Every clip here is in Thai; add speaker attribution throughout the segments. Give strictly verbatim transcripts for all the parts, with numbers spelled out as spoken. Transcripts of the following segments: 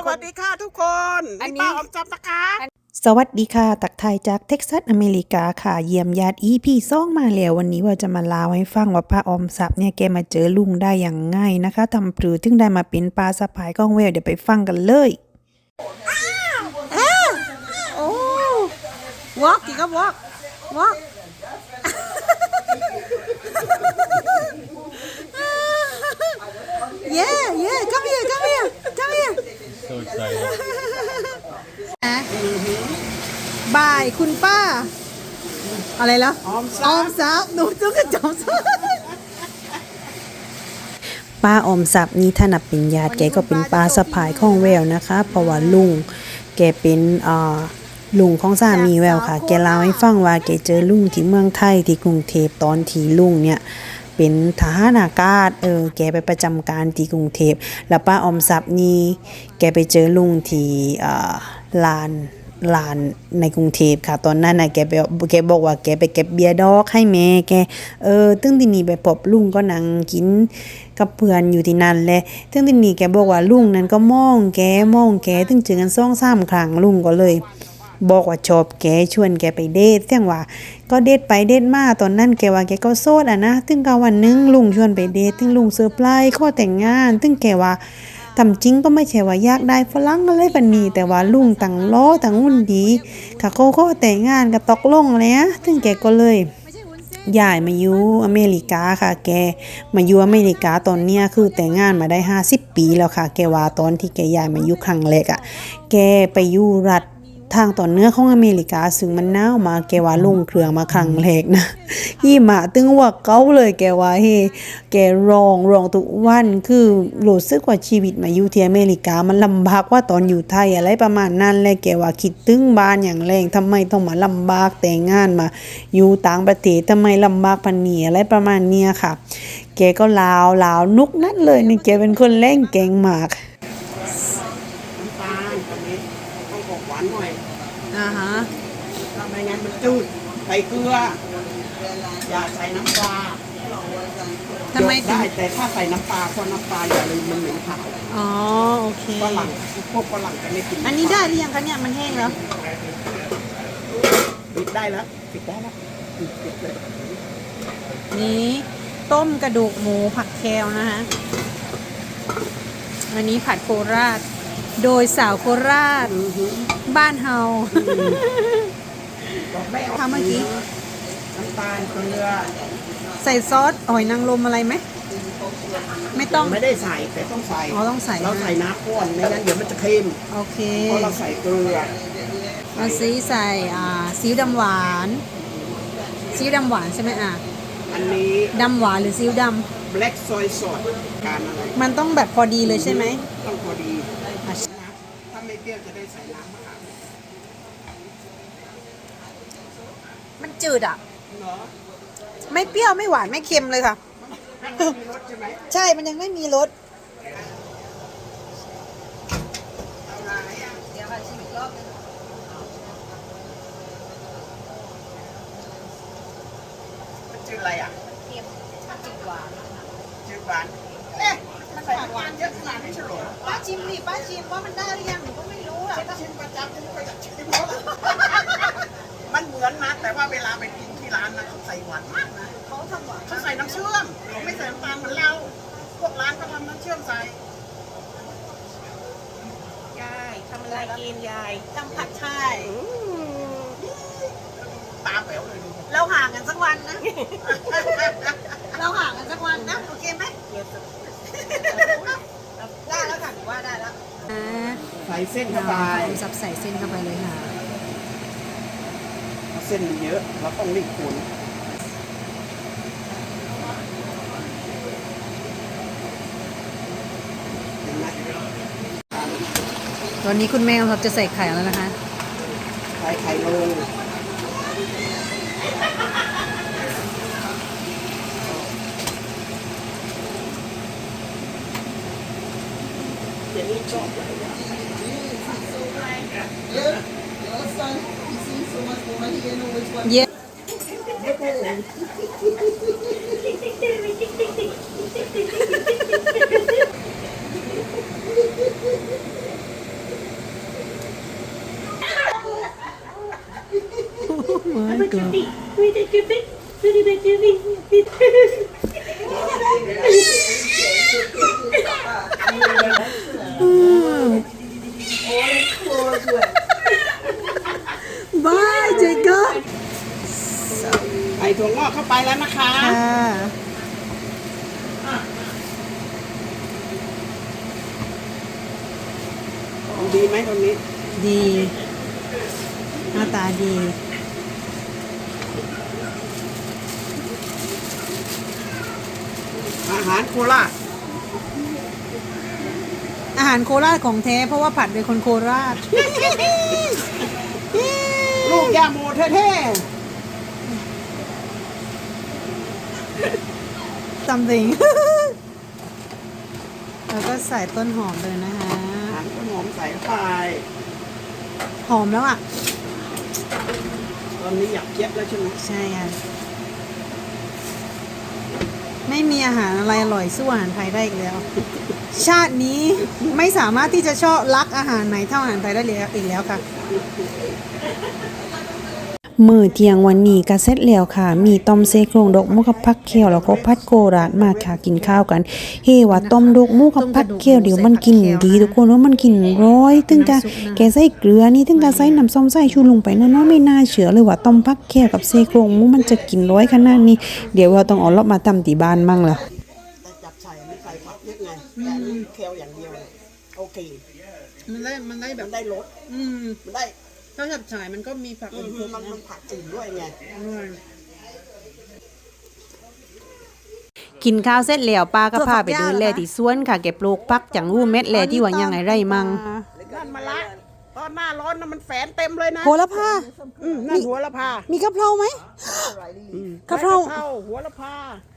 Speaker 1: วัสดีค่ะทุกคนอันนี้ป้าออมจับนะคะ
Speaker 2: สวัสดีค่ะตักไทยจากเท็กซัสอเมริกาค่ะเยี่ยมญาติอีพี่ซ่องมาแล้ววันนี้ว่าจะมาเล่าให้ฟังว่าป้าออมทรัพย์เนี่ยแกมาเจอลุงได้อย่างง่ายนะคะทำปรือถึงได้มาเป็นปลาสะพายก้องแววเดี๋ยวไปฟังกันเลย
Speaker 1: โอ้วอกกี่ก็วอกวอกเย่เย่ come here come here come here
Speaker 3: So excited
Speaker 1: บายคุณป้าอะไรล่ะออมทรัพย์ออมทรัพย์หนูจุกจอมทรัพย์
Speaker 2: ป้าออมทรัพย์นี่ถ้านับเป็นญาติแกก็เป็นป้าสะพายข้องแววนะคะเพราะว่าลุงแกเป็นอ่าลุงของสามีแววค่ะแกเล่าให้ฟังว่าแกเจอลุงที่เมืองไทยที่กรุงเทพตอนที่ลุงเนี่ยเป็นทหารอากาศเออแกไปประจำการที่กรุงเทพแล้วป้าออมทรัพย์นี่แกไปเจอลุงที่อ่าลานลานในกรุงเทพค่ะตอนนั้นน่ะแกไปแกบอกว่าแกไปเก็บเบียร์ดอกให้แม่แกเออตึ้งที่นี่ไปพบลุงก็นั่งกินกับเพื่อนอยู่ที่นั่นแหละตึ้งที่นี่แกบอกว่าลุงนั้นก็มองแกมองแกตึ้งเจอกันสองสามครั้งลุงก็เลยบอกว่าชอบแกชวนแกไปเดทเสียงว่าก็เดทไปเดทมาตอนนั้นแกว่าแกก็โสดอ่ะนะตึ้งก็วันนึงลุงชวนไปเดทตึ้งลุงเซอร์ไพรส์ขอแต่งงานตึ้งแกว่าทำจริงก็ไม่ใช่ว่าอยากได้ฝรั่งอะไรปานนี้แต่ว่าลุงตั้งล้อตั้งหุ่นดีค่ะเขาขอแต่งงานก็ตกลงแล้วตึ้งแกก็เลยย้ายมาอยู่อเมริกาค่ะแกมาอยู่อเมริกาตอนเนี้ยคือแต่งงานมาได้ห้าสิบปีแล้วค่ะแกว่าตอนที่แกย้ายมาอยู่ครั้งแรกอ่ะแกไปอยู่รัฐทางตอนเหนือของอเมริกาซึ่งมันหนาวมาแกว่าลงเครื่องมาครั้งแรกนะยี่หมาตึงว่าเก้าเลยแกว่าเฮแกร้องร้องทุกวันคือรู้สึกว่าชีวิตมาอยู่ที่อเมริกามันลำบากว่าตอนอยู่ไทยอะไรประมาณนั้นแหละแกว่าคิดถึงบ้านอย่างแรงทำไมต้องมาลำบากแต่งงานมาอยู่ต่างประเทศทำไมลำบากพันนี้อะไรประมาณเนี้ยค่ะแกก็ลาวลาวนุกนัดเลยนี่แกเป็นคนแรงแกงมาก
Speaker 1: น้ำตาลตอนนี้ต้องออกหวานหน่อย
Speaker 2: อ่าฮะ
Speaker 1: ถ้าไม่งั้นมันจืดใส่เกลืออย่าใส่น้ำปลา
Speaker 2: ทำไม
Speaker 1: ได้แต่ถ้าใส่น้ำปลาเพราะน้ำปลาอย่าลืมมันเหม็นขาว
Speaker 2: อ๋อโอเค
Speaker 1: ฝรั่งพวกฝรั่งจะไม่กิน
Speaker 2: อันนี้ได้หรือยังคะเนี่ยมันแห้งแล้ว
Speaker 1: ปิดได้แล้วปิดได้แล้วปิดปิดเลย
Speaker 2: นี้ต้มกระดูกหมูผักแคลนะคะอันนี้ผัดโคราชโดยสาวโคราชบ้านเฮาทำเมื่อกี้
Speaker 1: น้ำตาลเกลือ
Speaker 2: ใส่ซอสหอยนางรมอะไรไหมไม่ต้อง
Speaker 1: ไม่ได้ใส่แต่ต้องใส่
Speaker 2: อ๋อต้องใส่
Speaker 1: เราใส่น้ำข้นไม่งั้นเดี๋ยวมันจะเค็ม
Speaker 2: โอเค
Speaker 1: เพราะเราใส่เกลือ
Speaker 2: เราซีใส่อ่าซีอิ๊วดำหวานซีอิ๊วดำหวานใช่ไหมอ่ะ
Speaker 1: อันนี้
Speaker 2: ดำหวานหรือซีอิ๊วดำ
Speaker 1: black soy sauce การอะไร
Speaker 2: มันต้องแบบพอดีเลยใช่ไหม
Speaker 1: ต้องพอดีถ้าไม่เปรี้ยวจะได้ใส่น้ำมะขาม
Speaker 2: มันจืดอ่ะไม่เปรี้ยวไม่หวานไม่เค็มเลยค่ะใช่มันยังไม่มีรส
Speaker 1: มันจืดอะไรอ่ะเค็มจืดหวานจืดหวานเอ๊ะมันใส่หวานเยอะขนาดนี้ใช่หรอ
Speaker 2: ป้าชิมดิป้าชิมว่ามันได้หรือยังหนูก็ไม่รู้อ่ะ
Speaker 1: ชิมประจำฉันก็อยากชิมมันเหมือนนะแต่ว่าเวลาไปกินที่ร้านนะเขาใส่หวานมากนะ
Speaker 2: เขาทำหวาน
Speaker 1: เขาใส่น้ำเชื่อมเขาไม่ใส่น้ำตาลเหมือนเราพวกร้านเขาทำน้ำเชื่อมใส่
Speaker 2: ยายทำอะไรกินยายทำผัดไทย
Speaker 1: ตาแป๋วเลย
Speaker 2: เราห่างกันสักวันนะเราห่างกันสักวันนะโอเคไหมได้แล้วค่ะหนูว่าได้แล้ว
Speaker 1: ใส่เส้นเข้าไป
Speaker 2: ซับใส่เส้นเข้าไปเลยค่ะ
Speaker 1: เส้นเยอะเราต้องรีบขูด
Speaker 2: ตอนนี้คุณแม่เขาจะใส่ไข่แล้วนะคะ
Speaker 1: ใส่ไข่ลงเดี๋ยวนี้ชอบอะไรอย่างเยอะ
Speaker 2: เย้ my god บายเจก็
Speaker 1: ใส่ถั่วงอกเข้าไปแล้วนะคะ
Speaker 2: ค่ะ
Speaker 1: ดีไหมตรงนี้
Speaker 2: ดีหน้าตาดี
Speaker 1: อาหารโคราช
Speaker 2: อาหารโคราชของแท้เพราะว่าผัดโดยคนโคราช
Speaker 1: ลูกยาโมเท่
Speaker 2: something แล้วก็ใส่ต้นหอมเลยนะคะ
Speaker 1: ๆอาหารต้นหอมใส่เข้าไป
Speaker 2: หอมแล้วอ่ะ
Speaker 1: ตอนนี้อยากเย็บแล้วใช่ไหม
Speaker 2: ใช่ค่ะ ไม่มีอาหารอะไรอร่อยสู้อาหารไทยได้อีกแล้ว ชาตินี้ไม่สามารถที่จะชอบรักอาหารไหนเท่าอาหารไทยได้เลยอีกแล้วค่ะ มื้อเที่ยงวันนี้ก็เสร็จแล้วค่ะ มีต้มเซโครงดอกหมูกับผักเขียวแล้วก็ผัดโกราดมาค่ะกินข้าวกัน เฮว่าต้มดอกหมูกับผักเขียวเดี๋ยวมันกินดีทุกคนว่ามันกินร้อยถึงกะแกใส่เกลือนี่ถึงกะใส่น้ำส้มใส่ชูลงไปเนาะๆไม่น่าเชื่อเลยว่าต้มผักเขียวกับเซโครงหมูมันจะกินร้อยขนาดนี้เดี๋ยวเราต้องเอารอบมาตำที่บ้านมั่งล่ะ
Speaker 1: แต่จับใส่ไม่ใส่ผักเยอะไงแต่อันนี้เคลอย่างเดียวเลยโอเค
Speaker 2: มันได้มันได้แบ
Speaker 1: มั
Speaker 2: บ
Speaker 1: นได้รส
Speaker 2: อืม
Speaker 1: มันได้
Speaker 2: ถ้าจับฉายมันก็มีผัก
Speaker 1: อืมมันมันผักอื่นด้วยไง
Speaker 2: กินข้าวเสร็จแล้วป้าก็พาไปเดินแลที่สวนค่ะเก็บปลูกผักจังรูเม็ดแลที่ว่ายังไงไรมั่ง
Speaker 1: นั่นมาละตอนหน้าร้อนนะมันแฝนเต็มเลยนะ
Speaker 2: โหระพา
Speaker 1: อืมนั่นหัวละพา
Speaker 2: มีกะเพราไหม
Speaker 1: อืม
Speaker 2: กะเพรา
Speaker 1: ใบหัวละพา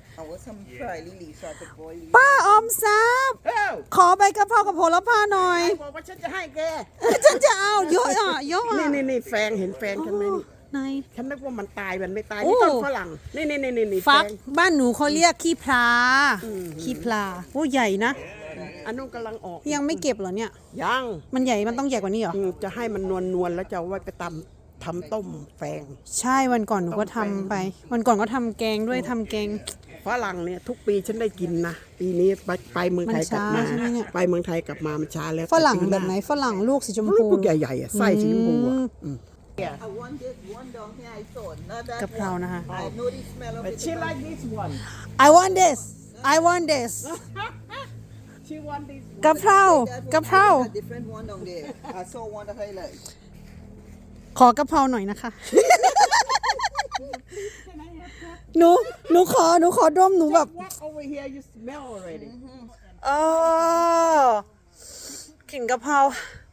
Speaker 2: ป้าออมทรัพย์
Speaker 1: เอ้า
Speaker 2: ขอใบกะเพรากับโหระพาหน่อย
Speaker 1: ใครบอกว่าฉันจะให้แก
Speaker 2: ฉันจะเอาเยอะอ่ะเยอะ
Speaker 1: นี่
Speaker 2: อ่ะ
Speaker 1: นี่นี่แฟงเห็นแฟงฉันไหมนี่
Speaker 2: ไหน
Speaker 1: ฉันนึกว่ามันตายมันไม่ตาย
Speaker 2: โอ้
Speaker 1: นี่ต้นฝรั่งนี่นี่นี่นี่นี่
Speaker 2: ฟัก
Speaker 1: แฟง
Speaker 2: บ้านหนูเขาเรียกขี้พลาขี้พลาโอ้ใหญ่นะ
Speaker 1: อันนู้นกำลังออก
Speaker 2: ยังไม่เก็บเหรอเนี่ย
Speaker 1: ยัง
Speaker 2: มันใหญ่มันต้องใหญ่กว่านี้เหรอ
Speaker 1: อืมจะให้มันนวลนวลๆแล้วจะเอาไว้ไปตำทำต้มแฟง
Speaker 2: ใช่วันก่อนหนูก็ทำไป วันก่อนก็ทำแกงด้วยทำแกง
Speaker 1: ฝรั่งเนี่ยทุกปีฉันได้กินนะปีนี้ไปไปเมืองไทยกลับมา
Speaker 2: มันช้าใช่ไหมเนี่ย
Speaker 1: ไปเมืองไทยกลับมามันช้าแล้ว
Speaker 2: ฝรั่ง
Speaker 1: ต่ปี
Speaker 2: แบบไหนฝรั่งลูกสีชม
Speaker 1: ลู
Speaker 2: พู
Speaker 1: กใหญ่ๆอ่ะไส้สีชมพูอ่ะอืม
Speaker 3: I want this one down here I saw, not that
Speaker 2: กะเพรา
Speaker 3: one.
Speaker 2: นะคะ
Speaker 3: I know the smell of
Speaker 1: But
Speaker 3: it.
Speaker 1: she like this one
Speaker 2: I want this I want this
Speaker 1: she want this
Speaker 2: กะเพรากะเพรา
Speaker 3: A different one down there. I saw one that I like.
Speaker 2: ขอกะเพราหน่อยนะคะ หนูหนูขอหนูขอดมหนูแบบ
Speaker 1: walk over here you smell already
Speaker 2: เออกลิ่นกะเพรา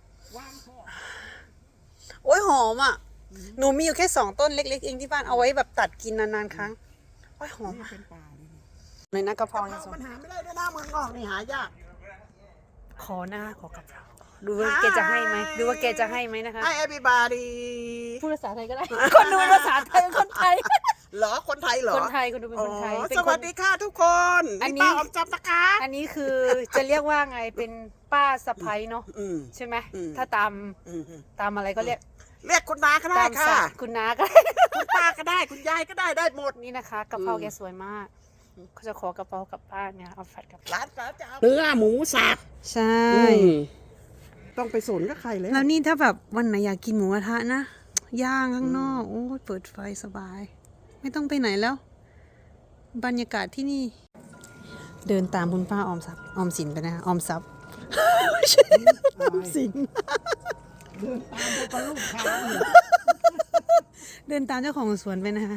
Speaker 2: โอ้ยหอมอ่ะ หนูมีอยู่แค่สองต้นเล็กๆเองที่บ้านเอาไว้แบบตัดกินนานๆครั้งโอ้ยหอมอ่ะเลยนะกะเพราเนี่ย
Speaker 1: มันหาไม่ได้ด้วยนะเมืองนอกนี่หายาก
Speaker 2: ขอหน้าขอกะเพราดูว่าแกจะให้ไหมดูว่าแกจะให้ไหมนะคะ
Speaker 1: ให้ everybody
Speaker 2: พูดภาษาไทยก็ได้ คนดูภาษาไทยเป็นคนไทย
Speaker 1: เหรอคนไทยเหรอ
Speaker 2: คนไทยคนดูเป็นคนไทย
Speaker 1: อ๋อ
Speaker 2: เป็น
Speaker 1: ส
Speaker 2: ค
Speaker 1: วัน สดีค่ะทุกคน
Speaker 2: อันนี้
Speaker 1: ป้าออมจับนะคะ
Speaker 2: อันนี้คือจะเรียกว่าไงเป็นป้าสะพ้ยเนาะ
Speaker 1: อืม
Speaker 2: ใช่ไหม
Speaker 1: อืม
Speaker 2: ถ้าตาม
Speaker 1: อืม
Speaker 2: ตามอะไรก็เรียก
Speaker 1: เรียกคุณนาก็ได้
Speaker 2: ตาม
Speaker 1: ค่ะ
Speaker 2: ศักดิ์คุณน้าก็ได้
Speaker 1: คุณป้าก็ได้คุณยายก็ได้ได้หมด
Speaker 2: นี่นะคะกะเพราแกสวยมากเขาจะขอกะเพรากลับบ้านเนี่ยเอาผัดกับ
Speaker 1: ร้านสาวจะเอาเนื้อหมูสับ
Speaker 2: ใช่
Speaker 1: ต้องไปสนกับใครเลย
Speaker 2: แล้วนี่ถ้าแบบวันไหนอยากกินหมูกระทะนะย่างข้างนอกโอ้ยเปิดไฟสบาย ไม่ต้องไปไหนแล้ว บรรยากาศที่นี่ เดินตามคุณป้าออมทรัพย์ออมสินไปนะออมทรัพย์ไม่ใช่ออมสิน
Speaker 1: ตามลูกค้าเนี่ย
Speaker 2: เดินตามเจ้าของสวนไปนะคะ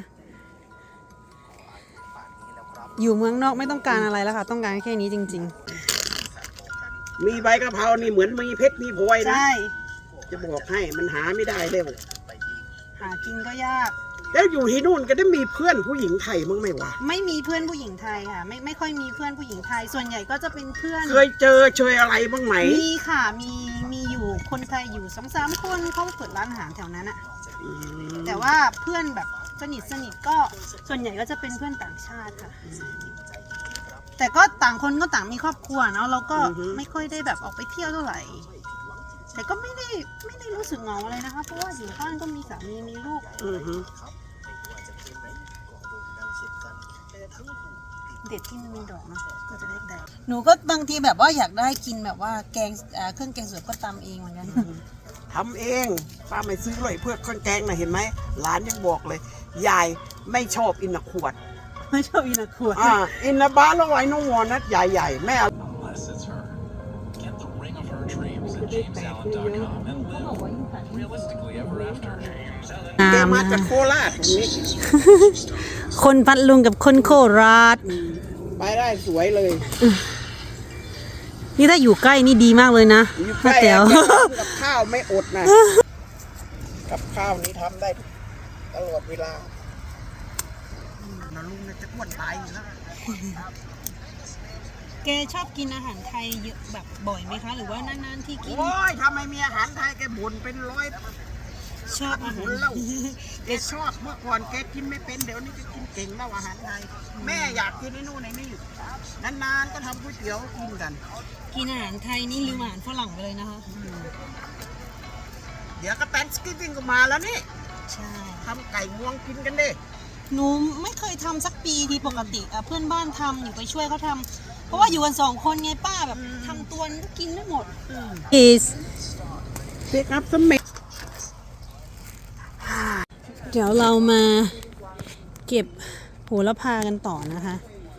Speaker 2: อยู่เมืองนอกไม่ต้องการอะไรแล้วค่ะ ต้องการแค่นี้จริง
Speaker 1: มีใบกะเพรานี่เหมือนมีเพชรมีพลอย
Speaker 2: ๆ
Speaker 1: นะ
Speaker 2: ใช่
Speaker 1: จะบอกให้มันหาไม่ได้เร็ว
Speaker 2: หากินก็ยาก
Speaker 1: แล้วอยู่ที่นู่นก็ได้มีเพื่อนผู้หญิงไทยมั้งไหมวะ
Speaker 2: ไม่มีเพื่อนผู้หญิงไทยค่ะ ไม่ไม่ค่อยมีเพื่อนผู้หญิงไทย ส่วนใหญ่ก็จะเป็นเพื่อน
Speaker 1: เคยเจอเชยอะไรบ้างไหม
Speaker 2: มีค่ะมีมีอยู่คนไทยอยู่สองสามคนเขาเปิดร้านอาหารแถวนั้นอะ
Speaker 1: อืม
Speaker 2: แต่ว่าเพื่อนแบบสนิทสนิทก็ส่วนใหญ่ก็จะเป็นเพื่อนต่างชาติค่ะ แต่ก็ต่างคนก็ต่างมีครอบครัวเนาะเราก็ไม่ค่อยได้แบบออกไปเที่ยวเท่าไหร่ แต่ก็ไม่ได้ไม่ได้รู้สึกเหงาอะไรนะคะ เพราะว่าอยู่บ้านก็มีสามีมีลูก
Speaker 1: อือฮึ
Speaker 2: เด็ดที่มันมีดอกเนาะก็จะได้แตกหนูก็บางทีแบบว่าอยากได้กินแบบว่าแกงอ่าเครื่องแกงสดก็ตำเองเหมือนกัน
Speaker 1: ทำเองป้าไม่ซื้อเลยเพื่อเครื่องแกงนะเห็นไหมหลานยังบอกเลยยายไม่ชอบอินนะขวด
Speaker 2: ไม่ชอบอินาขวด
Speaker 1: อ่าอินนะบ้านแล้วไว้น้องวอนนะใหญ่ๆแม่เอา
Speaker 4: Unless it's her. Get the ring of her dreams at james allen dot com and live realistically ever after.
Speaker 1: แกมาจากโคราชตรงนี้
Speaker 2: คนพัดลุงกับคนโคราช
Speaker 1: ไปได้สวยเลย
Speaker 2: นี่ถ้าอยู่ใกล้นี่ดีมากเลยนะ
Speaker 1: อยู่ใกล้
Speaker 2: แต๋ว
Speaker 1: กับข้าวไม่อดนะกับข้าวนี้ทำได้ตลอดเวลานะลุงเนี่ยจะอ้วนตายอยู่แล้ว
Speaker 2: แกชอบกินอาหารไทยเยอะแบบบ่อยไหมคะ หรือว่านานๆที่กิน
Speaker 1: โอ้ยทำไมมีอาหารไทยแกบ่นเป็นร้อย
Speaker 2: ชอบอา
Speaker 1: ห
Speaker 2: หาร
Speaker 1: นแล้วแกชอบเมื่อก่อนแกกินไม่เป็นเดี๋ยวนี้แกกินเก่งแล้วอาหารไทย แม่อยากกินไอ้นู่นไอ้นี่นานๆก็ทำก๋วยเตี๋ยวกินกัน
Speaker 2: กินอาหารไทยนี่ลืมอาหารฝรั่งไปเลยนะคะ
Speaker 1: เดี๋ยวก็แตนสกิปปิ้งก็มาแล้วนี่
Speaker 2: ใช่
Speaker 1: ทำไก่งวงกินกันดิ
Speaker 2: หนูไม่เคยทำสักปีที่ปกติอ่ะเพื่อนบ้านทำอยู่ไปช่วยเขาทำเพราะว่าอยู่กันสองคนไงป้าแบบทำตัวก็กินไม่หมด is
Speaker 1: เด็กอัพสมัย
Speaker 2: เดี๋ยวเรามาเก็บโหระพากันต่อนะคะ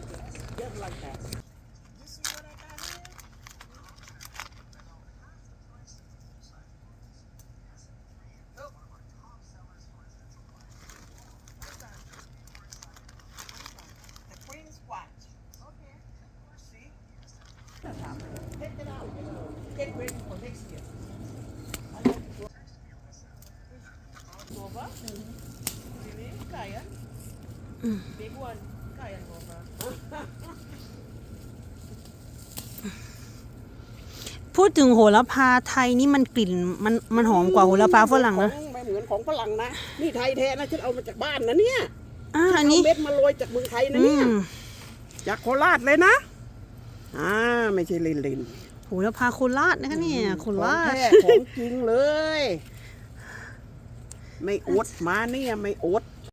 Speaker 2: พูดถึงโหระพาไทยนี่มันกลิ่นมันมันหอมกว่าโหระพาฝรั่งนะ
Speaker 1: ไม่เหมือนของฝรั่งนะ นี่ไทยแท้นะฉันเอามาจากบ้านนะเนี่ย
Speaker 2: อ่าอันนี้
Speaker 1: เอาเม็ดมาโรยจากเมืองไทยนะ
Speaker 2: อื
Speaker 1: เนี่ย
Speaker 2: ม
Speaker 1: จากโคราชเลยนะอ่าไม่ใช่ลินลิน
Speaker 2: โหระพาโคราชนะคะเนี่ยโค
Speaker 1: ของ
Speaker 2: ราช
Speaker 1: แท้ของจริงเลย ไม่อดมาเนี่ยไม่อด